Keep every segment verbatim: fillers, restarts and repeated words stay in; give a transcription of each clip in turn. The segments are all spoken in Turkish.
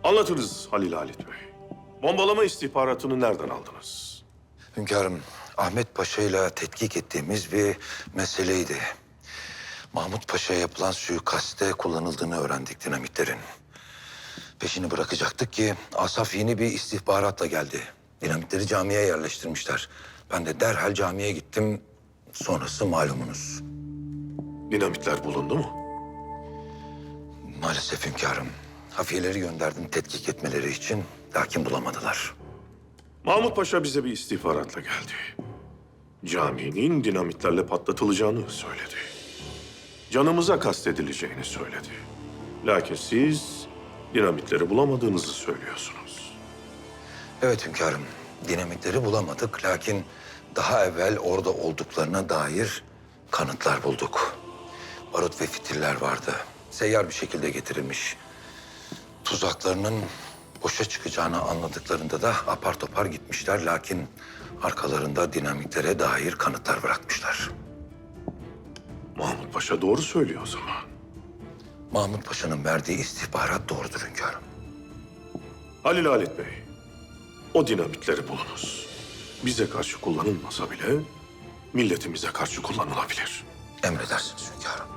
Anlatınız Halil Halit Bey. Bombalama istihbaratını nereden aldınız? Hünkârım, Ahmet Paşa ile tetkik ettiğimiz bir meseleydi. Mahmut Paşa'ya yapılan suikaste kullanıldığını öğrendik dinamitlerin. Peşini bırakacaktık ki Asaf yeni bir istihbaratla geldi. Dinamitleri camiye yerleştirmişler. Ben de derhal camiye gittim. Sonrası malumunuz. Dinamitler bulundu mu? Maalesef hünkârım. Hafiyeleri gönderdim tetkik etmeleri için. Lakin bulamadılar. Mahmut Paşa bize bir istihbaratla geldi. Caminin dinamitlerle patlatılacağını söyledi. Canımıza kastedileceğini söyledi. Lakin siz dinamitleri bulamadığınızı söylüyorsunuz. Evet hünkârım. Dinamitleri bulamadık. Lakin daha evvel orada olduklarına dair kanıtlar bulduk. Barut ve fitiller vardı. Seyyar bir şekilde getirilmiş. Tuzaklarının boşa çıkacağını anladıklarında da apar topar gitmişler. Lakin arkalarında dinamitlere dair kanıtlar bırakmışlar. Mahmut Paşa doğru söylüyor o zaman. Mahmut Paşa'nın verdiği istihbarat doğrudur hünkârım. Halil Halit Bey, o dinamitleri bulunuz. Bize karşı kullanılmasa bile milletimize karşı kullanılabilir. Emredersiniz hünkârım.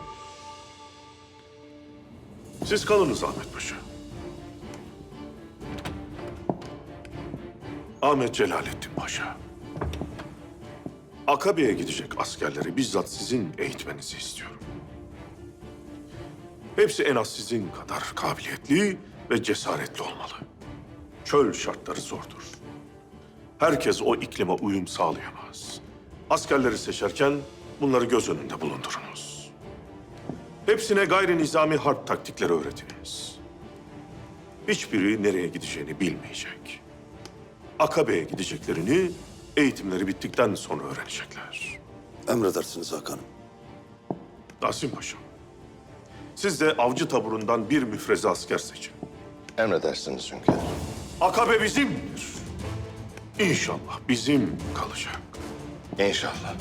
Siz kalınız Ahmet Paşa. Ahmet Celalettin Paşa. Akabe'ye gidecek askerleri bizzat sizin eğitmenizi istiyorum. Hepsi en az sizin kadar kabiliyetli ve cesaretli olmalı. Çöl şartları zordur. Herkes o iklime uyum sağlayamaz. Askerleri seçerken bunları göz önünde bulundurunuz. Hepsine gayri nizami harp taktikleri öğretiniz. Hiçbiri nereye gideceğini bilmeyecek. Akabe'ye gideceklerini eğitimleri bittikten sonra öğrenecekler. Emredersiniz Hakan'ım. Nasim Paşa, siz de avcı taburundan bir müfreze asker seçin. Emredersiniz hünkârım. Akabe bizimdir. İnşallah bizim kalacak. İnşallah.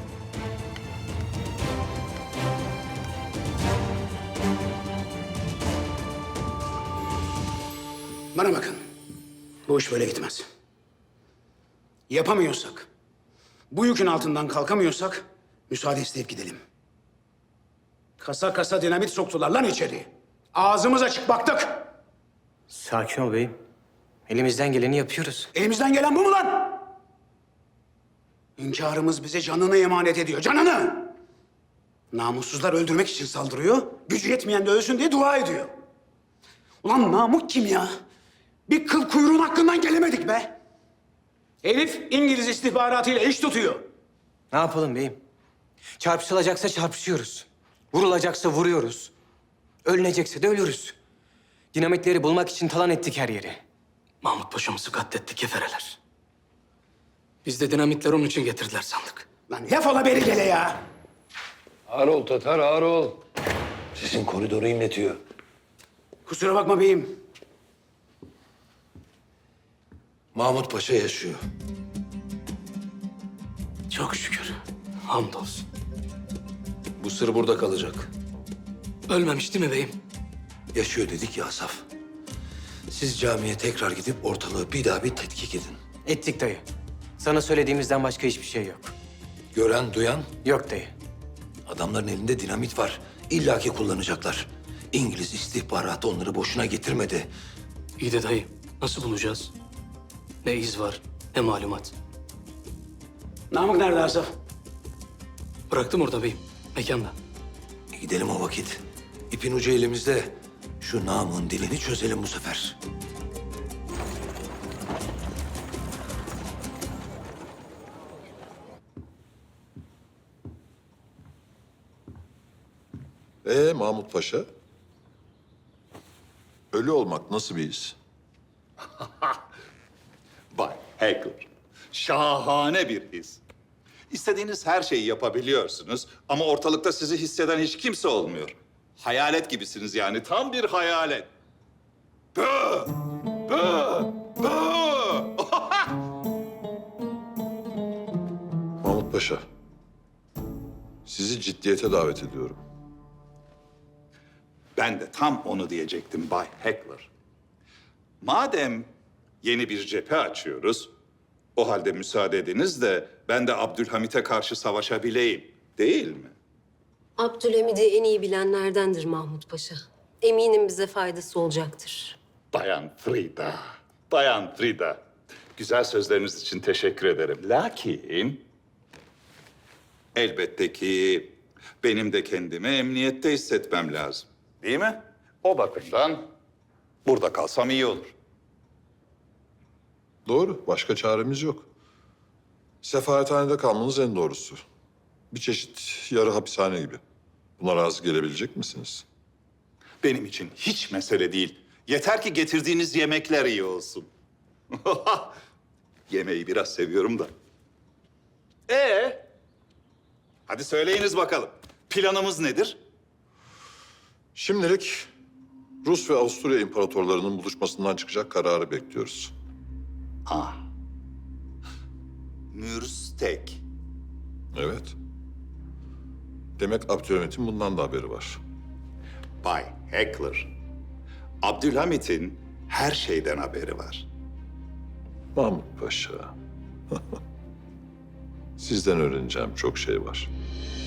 Bana bakın. Bu iş böyle gitmez. Yapamıyorsak, bu yükün altından kalkamıyorsak müsaade isteyip gidelim. Kasa kasa dinamit soktular lan içeri. Ağzımız açık baktık. Sakin ol beyim. Elimizden geleni yapıyoruz. Elimizden gelen bu mu lan? Hünkârımız bize canını emanet ediyor, canını! Namussuzlar öldürmek için saldırıyor, gücü yetmeyen de ölsün diye dua ediyor. Ulan Namık kim ya? Bir kıl kuyruğun hakkından gelemedik be. Herif İngiliz istihbaratıyla iş tutuyor. Ne yapalım beyim? Çarpışılacaksa çarpışıyoruz. Vurulacaksa vuruyoruz. Ölünecekse de ölürüz. Dinamitleri bulmak için talan ettik her yeri. Mahmut Paşa'mızı katletti kefereler. Biz de dinamitleri onun için getirdiler sandık. Lan laf ola beri gele ya. Ağır ol Tatar, ağır ol. Sizin koridoru inletiyor. Kusura bakma beyim. Mahmut Paşa yaşıyor. Çok şükür. Hamdolsun. Bu sır burada kalacak. Ölmemiş değil mi beyim? Yaşıyor dedik ya Asaf. Siz camiye tekrar gidip ortalığı bir daha bir tetkik edin. Ettik dayı. Sana söylediğimizden başka hiçbir şey yok. Gören, duyan, Yok dayı. adamların elinde dinamit var. İlla ki kullanacaklar. İngiliz istihbaratı onları boşuna getirmedi. İyi de dayı, nasıl bulacağız? Ne iz var, ne malumat. Namık nerede Asaf? Bıraktım orada beyim, mekanda. E gidelim o vakit. İpin ucu elimizde. Şu namın dilini çözelim bu sefer. Ee Mahmut Paşa? Ölü olmak nasıl bir his? Bay Hacker, şahane bir his. İstediğiniz her şeyi yapabiliyorsunuz ama ortalıkta sizi hisseden hiç kimse olmuyor. Hayalet gibisiniz yani, tam bir hayalet. Bö! Bö! Bö! Mahmut Paşa, sizi ciddiyete davet ediyorum. Ben de tam onu diyecektim Bay Heckler. Madem yeni bir cephe açıyoruz, o halde müsaade ediniz de ben de Abdülhamit'e karşı savaşabileyim, değil mi? Abdülhamid'i en iyi bilenlerdendir Mahmut Paşa. Eminim bize faydası olacaktır. Bayan Frida, Bayan Frida. Güzel sözleriniz için teşekkür ederim. Lakin elbette ki benim de kendimi emniyette hissetmem lazım. Değil mi? O bakımdan burada kalsam iyi olur. Doğru. Başka çaremiz yok. Sefarethanede kalmanız en doğrusu. Bir çeşit yarı hapishane gibi. Buna razı gelebilecek misiniz? Benim için hiç mesele değil. Yeter ki getirdiğiniz yemekler iyi olsun. Yemeği biraz seviyorum da. Ee? Hadi söyleyiniz bakalım. Planımız nedir? Şimdilik Rus ve Avusturya imparatorlarının buluşmasından çıkacak kararı bekliyoruz. Ah. Mürstek. Evet. Demek Abdülhamit'in bundan da haberi var. Bay Heckler. Abdülhamit'in her şeyden haberi var. Mahmut Paşa. Sizden öğreneceğim çok şey var.